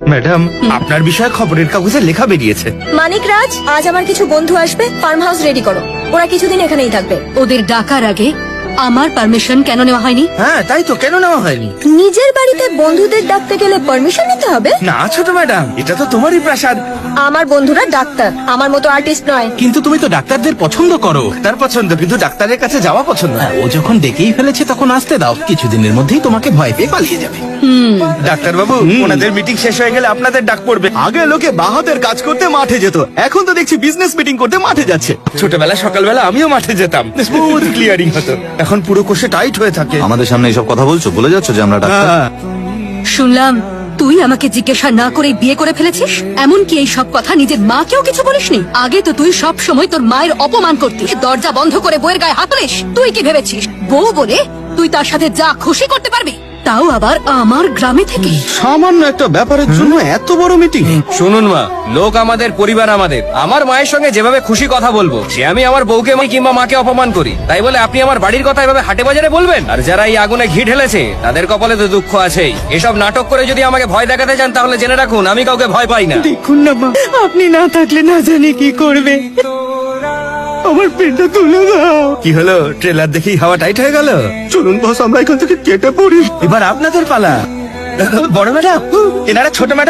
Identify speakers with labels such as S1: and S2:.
S1: Madam, আপনার বিষয়ে খবরের কাগজে লেখা বেরিয়েছে।
S2: মানিক রাজ, আজ আমার কিছু বন্ধু আসবে, ফার্ম হাউস রেডি করো। ওরা কিছুদিন এখানেই থাকবে।
S3: ওদের ডাকার আগে আমার পারমিশন কেন নেওয়া হয়নি?
S1: হ্যাঁ, তাই তো, কেন নেওয়া হয়নি?
S2: নিজের বাড়িতে বন্ধুদের ডাকতে গেলে পারমিশন নিতে হবে?
S1: না ছোট ম্যাডাম, এটা তো তোমারই প্রাসাদ।
S2: আমার বন্ধুরা ডাক্তার, আমার মতো আর্টিস্ট নয়।
S4: কিন্তু তুমি তো ডাক্তারদের পছন্দ করো।
S1: তার পছন্দ, কিন্তু ডাক্তারের কাছে যাওয়া পছন্দ না।
S4: ও যখন ডেকেই ফেলেছে তখন আসতে দাও, কিছুদিনের মধ্যেই তোমাকে ভয় পেয়ে পালিয়ে যাবে।
S1: ডাক্তার বাবু, ওনাদের মিটিং শেষ হয়ে গেলে আপনাদের ডাক পড়বে।
S5: আগে লোকে বাহাতের কাজ করতে মাঠে যেত, এখন তো দেখছি বিজনেস মিটিং করতে মাঠে যাচ্ছে।
S1: ছোটবেলা সকালবেলা আমিও মাঠে যেতাম, স্মুথ ক্লিয়ারিং হতো। এখন পুরো কোষে টাইট হয়ে থাকে।
S5: আমাদের সামনে এইসব কথা বলছো, বলে যাচ্ছ যে আমরা ডাক্তার।
S3: শুনলাম তুই আমাকে জিজ্ঞাসা না করে বিয়ে করে ফেলেছিস। এমনকি এই সব কথা নিজের মাকেও কিছু বলিসনি। আগে তো তুই সব সময় তোর মায়ের অপমান করতিস, দরজা বন্ধ করে বউয়ের গায়ে হাত তুলিস। তুই কি ভেবেছিস বউ বলে তুই তার সাথে যা খুশি করতে পারবি, তাও আবার আমার গ্রামে থেকে?
S5: সামান্য একটা ব্যাপারের জন্য এত বড় মিটিং?
S6: শুনুন মা, লোক আমাদের, পরিবার আমাদের। আমার মায়ের সঙ্গে যেভাবে খুশি কথা বলবো, সে আমি আমার বউকে কিংবা মাকে অপমান করি, তাই বলে আপনি আমার বাড়ির কথা এভাবে হাটে বাজারে বলবেন? আর যারা এই আগুনে ঘি ঢেলেছে তাদের কপালে তো দুঃখ আছেই। এসব নাটক করে যদি আমাকে ভয় দেখাতে চান তাহলে জেনে রাখুন আমি কাউকে ভয় পাই না।
S7: দেখুন না মা, আপনি না থাকলে না জানি কি করবে। আমার পেটটা তুলে দাও।
S1: কি হলো, ট্রেলার দেখেই হাওয়া টাইট হয়ে গেল?
S5: চলুন বস, আমরা এখান থেকে কেটে পড়ি।
S1: এবার আপনাদের পালা। বড় ম্যাডাম, এনারা ছোট ম্যাডাম